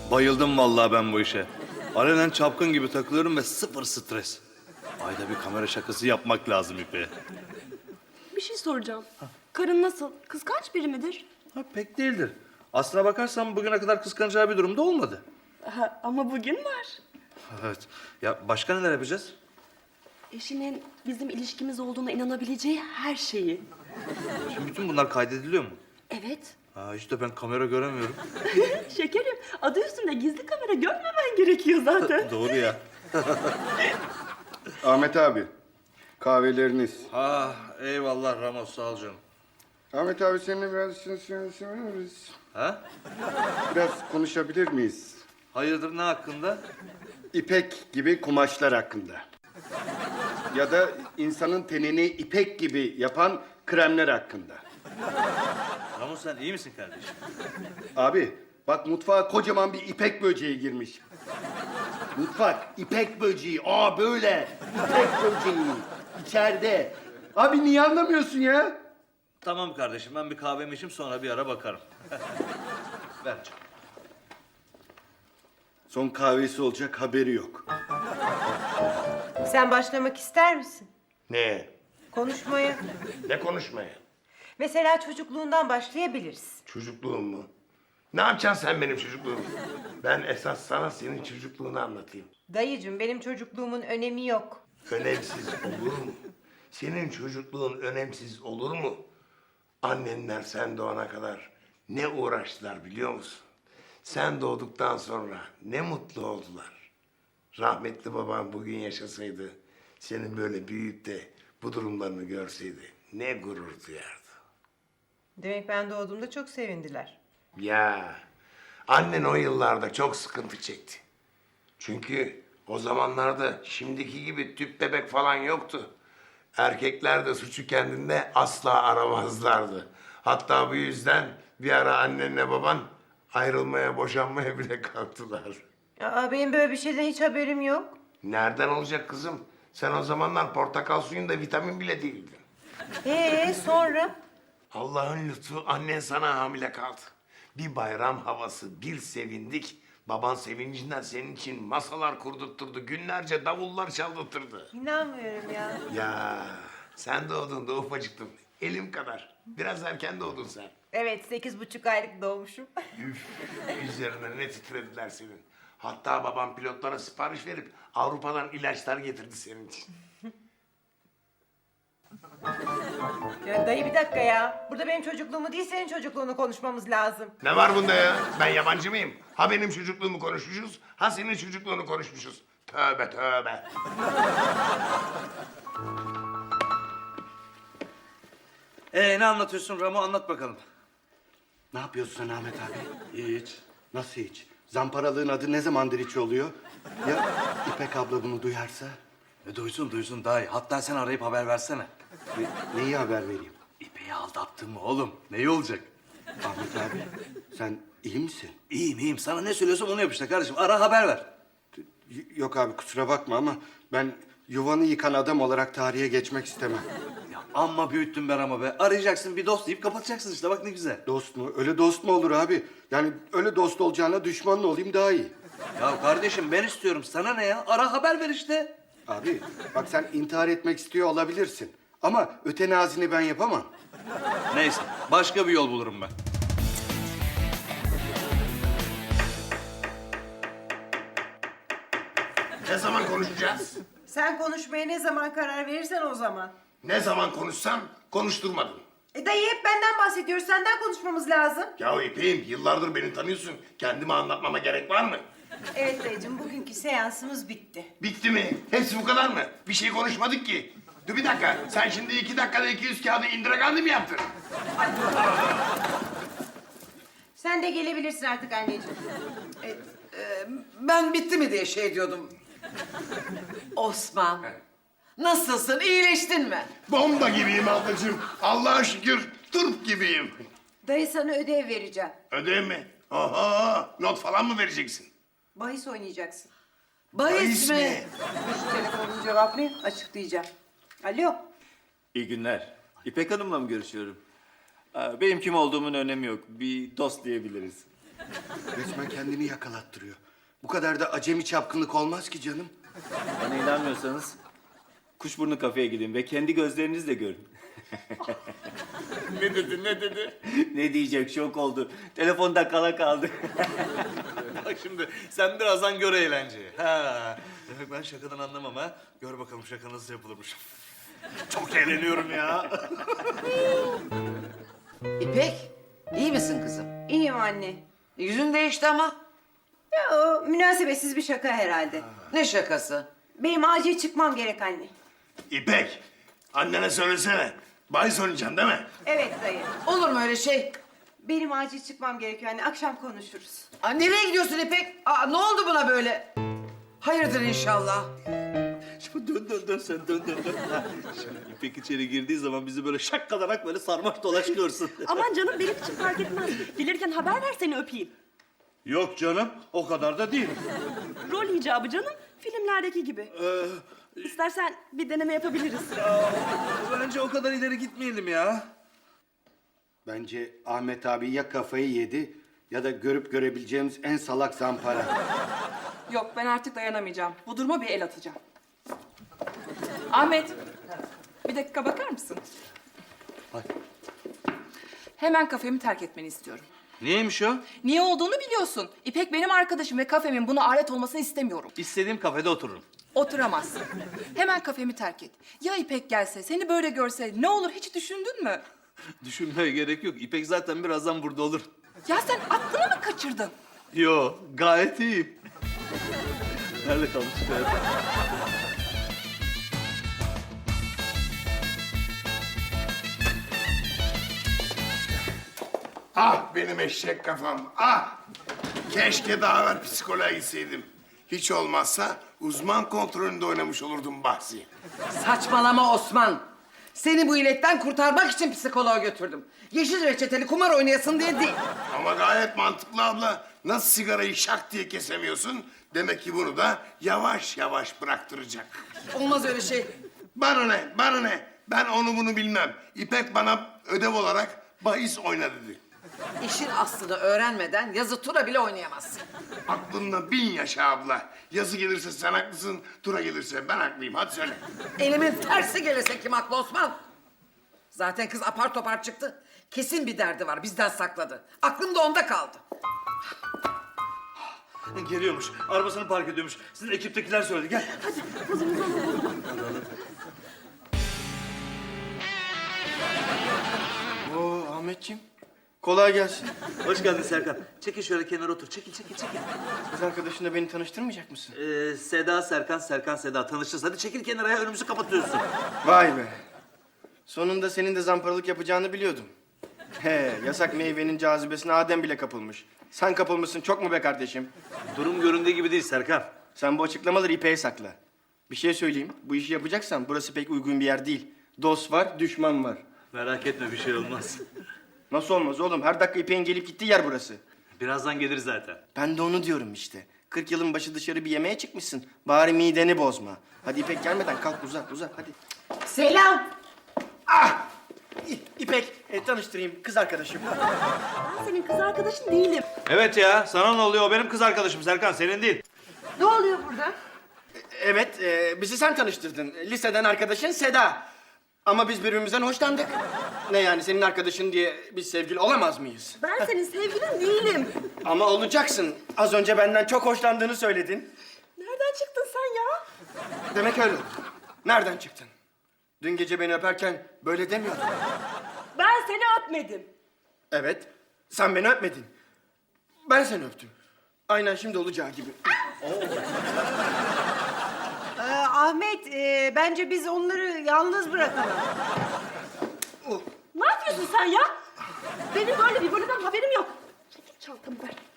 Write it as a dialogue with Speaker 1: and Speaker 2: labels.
Speaker 1: Bayıldım vallahi ben bu işe. Alenen çapkın gibi takılıyorum ve sıfır stres. Ayda bir kamera şakası yapmak lazım İpe.
Speaker 2: Bir şey soracağım. Karın nasıl? Kıskanç biri midir?
Speaker 1: Ha, pek değildir. Aslına bakarsan bugüne kadar kıskanacağı bir durumda olmadı.
Speaker 2: Ama bugün var.
Speaker 1: Evet. Ya başka neler yapacağız?
Speaker 2: Eşinin bizim ilişkimiz olduğuna inanabileceği her şeyi.
Speaker 1: Şimdi bütün bunlar kaydediliyor mu?
Speaker 2: Evet.
Speaker 1: Ha, işte ben kamera göremiyorum.
Speaker 2: Şekerim, adı üstünde gizli kamera görmemen gerekiyor zaten.
Speaker 1: Doğru ya.
Speaker 3: Ahmet abi, kahveleriniz.
Speaker 1: Ha, eyvallah Ramos, sağ ol canım.
Speaker 3: Ahmet abi seninle biraz
Speaker 1: Ha?
Speaker 3: biraz konuşabilir miyiz?
Speaker 1: Hayırdır, ne hakkında?
Speaker 3: İpek gibi kumaşlar hakkında. Ya da insanın tenini ipek gibi yapan kremler hakkında.
Speaker 1: Ramos, sen iyi misin kardeşim?
Speaker 3: Abi bak mutfağa kocaman bir ipek böceği girmiş. Mutfak ipek böceği. Aa böyle ipek böceği içeride. Abi niye anlamıyorsun ya?
Speaker 1: Tamam kardeşim, ben bir kahvemi içeyim, sonra bir ara bakarım. Ver canım.
Speaker 3: Son kahvesi olacak haberi yok.
Speaker 4: Sen başlamak ister misin?
Speaker 5: Ne?
Speaker 4: Konuşmaya.
Speaker 5: Ne konuşmaya?
Speaker 4: Mesela çocukluğundan başlayabiliriz.
Speaker 5: Çocukluğum mu? Ne yapacaksın sen benim çocukluğumu? Ben esas sana senin çocukluğunu anlatayım.
Speaker 4: Dayıcığım benim çocukluğumun önemi yok.
Speaker 5: Önemsiz olur mu? Senin çocukluğun önemsiz olur mu? Annenler sen doğana kadar ne uğraştılar biliyor musun? Sen doğduktan sonra ne mutlu oldular. Rahmetli babam bugün yaşasaydı, senin böyle büyüyüp de bu durumlarını görseydi ne gurur duyardı.
Speaker 4: Demek ben doğduğumda çok sevindiler.
Speaker 5: Ya annen o yıllarda çok sıkıntı çekti. Çünkü o zamanlarda şimdiki gibi tüp bebek falan yoktu. Erkekler de suçu kendinde asla aramazlardı. Hatta bu yüzden bir ara annenle baban ayrılmaya, boşanmaya bile kalktılar.
Speaker 4: Aa, benim böyle bir şeyden hiç haberim yok.
Speaker 5: Nereden olacak kızım? Sen o zamanlar portakal suyunda vitamin bile değildin.
Speaker 4: Sonra?
Speaker 5: Allah'ın lütfu annen sana hamile kaldı. Bir bayram havası, bir sevindik. Baban sevincinden senin için masalar kurdurtturdu. Günlerce davullar çaldırtırdı.
Speaker 4: İnanmıyorum ya.
Speaker 5: Ya sen doğduğunda ufacıktın. Elim kadar. Biraz erken doğdun sen.
Speaker 4: Evet 8,5 aylık doğmuşum.
Speaker 5: Üf, üzerine ne titrediler senin. Hatta babam pilotlara sipariş verip Avrupa'dan ilaçlar getirdi senin için.
Speaker 4: Ya dayı bir dakika ya. Burada benim çocukluğumu değil senin çocukluğunu konuşmamız lazım.
Speaker 5: Ne var bunda ya? Ben yabancı mıyım? Ha benim çocukluğumu konuşmuşuz, ha senin çocukluğunu konuşmuşuz. Tövbe tövbe.
Speaker 1: Ne anlatıyorsun Ramo, anlat bakalım.
Speaker 3: Ne yapıyorsun sen Ahmet abi?
Speaker 1: Hiç.
Speaker 3: Nasıl hiç? Zamparalığın adı ne zamandır hiç oluyor? Ya İpek abla bunu duyarsa?
Speaker 1: Duysun daha iyi. Hatta sen arayıp haber versene.
Speaker 3: Neyi haber vereyim?
Speaker 1: İpeyi aldattın mı oğlum? Neyi olacak?
Speaker 3: Ahmet abi sen iyi misin?
Speaker 1: İyiyim. Sana ne söylüyorsam onu yap işte kardeşim. Ara, haber ver.
Speaker 3: Yok abi kusura bakma ama ben yuvanı yıkan adam olarak tarihe geçmek istemem.
Speaker 1: Ya amma büyüttün be Ramo be. Arayacaksın, bir dost deyip kapatacaksın işte. Bak ne güzel.
Speaker 3: Dost mu? Öyle dost mu olur abi? Yani öyle dost olacağına düşmanla olayım daha iyi.
Speaker 1: Ya kardeşim ben istiyorum. Sana ne ya? Ara, haber ver işte.
Speaker 3: Abi bak sen intihar etmek istiyor olabilirsin. Ama ötenazini ben yapamam.
Speaker 1: Neyse. Başka bir yol bulurum ben.
Speaker 5: Ne zaman konuşacağız?
Speaker 4: Sen konuşmaya ne zaman karar verirsen o zaman.
Speaker 5: Ne zaman konuşsam konuşturmadın.
Speaker 4: Dayı hep benden bahsediyoruz. Senden konuşmamız lazım.
Speaker 5: Ya İpek'im yıllardır beni tanıyorsun. Kendimi anlatmama gerek var mı?
Speaker 4: Evet dayıcığım bugünkü seansımız bitti.
Speaker 5: Bitti mi? Hepsi bu kadar mı? Bir şey konuşmadık ki. Dur bir dakika. Sen şimdi 2 dakikada 200 kağıdı indiragandi mi yaptın?
Speaker 4: Sen de gelebilirsin artık anneciğim.
Speaker 6: Ben bitti mi diye şey diyordum. Osman, nasılsın? İyileştin mi?
Speaker 5: Bomba gibiyim ablacığım. Allah'a şükür turp gibiyim.
Speaker 4: Dayı sana ödev vereceğim.
Speaker 5: Ödev mi? Oho, not falan mı vereceksin?
Speaker 4: Bahis oynayacaksın.
Speaker 6: Bahis mi?
Speaker 4: Şu telefonunu cevaplayayım, açıklayacağım. Alo.
Speaker 7: İyi günler. İpek Hanım'la mı görüşüyorum? Benim kim olduğumun önemi yok. Bir dost diyebiliriz.
Speaker 3: Resmen kendini yakalattırıyor. Bu kadar da acemi çapkınlık olmaz ki canım.
Speaker 7: Bana inanmıyorsanız Kuşburnu kafeye gidin ve kendi gözlerinizle görün.
Speaker 5: Ne dedi, ne dedi?
Speaker 7: Ne diyecek, şok oldu. Telefonda kala kaldı.
Speaker 1: Bak şimdi sen birazdan gör eğlenceyi. Ha. Demek ben şakadan anlamam ha. Gör bakalım şaka nasıl yapılırmış. Çok eğleniyorum ya.
Speaker 6: İpek, iyi misin kızım?
Speaker 4: İyiyim anne.
Speaker 6: Yüzün değişti ama.
Speaker 4: Ya o münasebetsiz bir şaka herhalde.
Speaker 6: Ne şakası?
Speaker 4: Benim acil çıkmam gerek anne.
Speaker 5: İpek, annene söylesene. Bahis oynayacaksın değil mi?
Speaker 4: Evet dayı.
Speaker 6: Olur mu öyle şey?
Speaker 4: Benim acil çıkmam gerekiyor anne. Akşam konuşuruz.
Speaker 6: Aa, nereye gidiyorsun İpek? Aa, ne oldu buna böyle? Hayırdır inşallah.
Speaker 1: Şimdi dön sen dön. Ha, şimdi İpek içeri girdiği zaman bizi böyle şakkalarak böyle sarmaş dolaş görsün.
Speaker 2: Aman canım benim için fark etmez. Gelirken haber ver seni öpeyim.
Speaker 1: Yok canım o kadar da değil.
Speaker 2: Rol icabı canım. Filmlerdeki gibi. İstersen bir deneme yapabiliriz.
Speaker 1: Bence o kadar ileri gitmeyelim ya.
Speaker 3: Bence Ahmet abi ya kafayı yedi ya da görüp görebileceğimiz en salak zampara.
Speaker 8: Yok ben artık dayanamayacağım. Bu duruma bir el atacağım. Ahmet, bir dakika bakar mısın? Hemen kafemi terk etmeni istiyorum.
Speaker 1: Niyeymiş o?
Speaker 8: Niye olduğunu biliyorsun. İpek benim arkadaşım ve kafemin buna alet olmasını istemiyorum.
Speaker 1: İstediğim kafede otururum.
Speaker 8: Oturamazsın. Hemen kafemi terk et. Ya İpek gelse, seni böyle görse ne olur hiç düşündün mü?
Speaker 1: Düşünmeye gerek yok. İpek zaten birazdan burada olur.
Speaker 8: Ya sen aklını mı kaçırdın?
Speaker 1: Yo gayet iyiyim. Nerede kalmıştık hayatım?
Speaker 5: Ah benim eşek kafam, ah! Keşke daha evvel psikoloğa gitseydim. Hiç olmazsa uzman kontrolünde oynamış olurdum bahsi.
Speaker 6: Saçmalama Osman. Seni bu illetten kurtarmak için psikoloğa götürdüm. Yeşil reçeteli kumar oynayasın diye değil.
Speaker 5: Ama gayet mantıklı abla. Nasıl sigarayı şak diye kesemiyorsun? Demek ki bunu da yavaş yavaş bıraktıracak.
Speaker 6: Olmaz öyle şey.
Speaker 5: Bana ne, bana ne? Ben onu bunu bilmem. İpek bana ödev olarak bahis oyna dedi.
Speaker 6: İşin aslını öğrenmeden yazı tura bile oynayamazsın.
Speaker 5: Aklında 1000 yaşa abla. Yazı gelirse sen haklısın, tura gelirse ben haklıyım. Hadi söyle.
Speaker 6: Elimin tersi gelirse kim haklı Osman? Zaten kız apar topar çıktı. Kesin bir derdi var, bizden sakladı. Aklım da onda kaldı.
Speaker 1: Geliyormuş. Arabasını park ediyormuş. Sizin ekiptekiler söyledi. Gel.
Speaker 3: Oo Ahmetciğim. Kolay gelsin.
Speaker 1: Hoş geldin Serkan. Çekil şöyle kenara otur. Çekil.
Speaker 3: Kız arkadaşınla beni tanıştırmayacak mısın?
Speaker 1: Seda Serkan, Serkan Seda. Tanışacağız. Hadi çekil kenara ya. Önümüzü kapatıyorsun.
Speaker 9: Vay be. Sonunda senin de zamparalık yapacağını biliyordum. He, yasak meyvenin cazibesine Adem bile kapılmış. Sen kapılmışsın çok mu be kardeşim?
Speaker 1: Durum göründüğü gibi değil Serkan.
Speaker 9: Sen bu açıklamaları İpek'e sakla. Bir şey söyleyeyim. Bu işi yapacaksan burası pek uygun bir yer değil. Dost var, düşman var.
Speaker 1: Merak etme bir şey olmaz.
Speaker 9: Nasıl olmaz oğlum? Her dakika İpek'in gelip gittiği yer burası.
Speaker 1: Birazdan gelir zaten.
Speaker 9: Ben de onu diyorum işte. 40 yılın başı dışarı bir yemeğe çıkmışsın. Bari mideni bozma. Hadi İpek gelmeden kalk uzat hadi.
Speaker 4: Selam.
Speaker 9: İpek tanıştırayım kız arkadaşım.
Speaker 2: Ben senin kız arkadaşın değilim.
Speaker 1: Evet ya. Sana ne oluyor? O benim kız arkadaşım Serkan. Senin değil.
Speaker 4: Ne oluyor burada?
Speaker 9: Evet, bizi sen tanıştırdın. Liseden arkadaşın Seda. Ama biz birbirimizden hoşlandık. Ne yani senin arkadaşın diye biz sevgili olamaz mıyız?
Speaker 2: Ben senin sevgilin değilim.
Speaker 9: Ama olacaksın. Az önce benden çok hoşlandığını söyledin.
Speaker 2: Nereden çıktın sen ya?
Speaker 9: Demek öyle oldu. Nereden çıktın? Dün gece beni öperken böyle demiyordun.
Speaker 2: Ben seni öpmedim.
Speaker 9: Evet, sen beni öpmedin. Ben seni öptüm. Aynen şimdi olacağı gibi.
Speaker 4: Ahmet, bence biz onları yalnız bırakalım.
Speaker 2: Ne yapıyorsun sen ya? Benim böyle bir bölümden haberim yok. Çekil çantamı ver.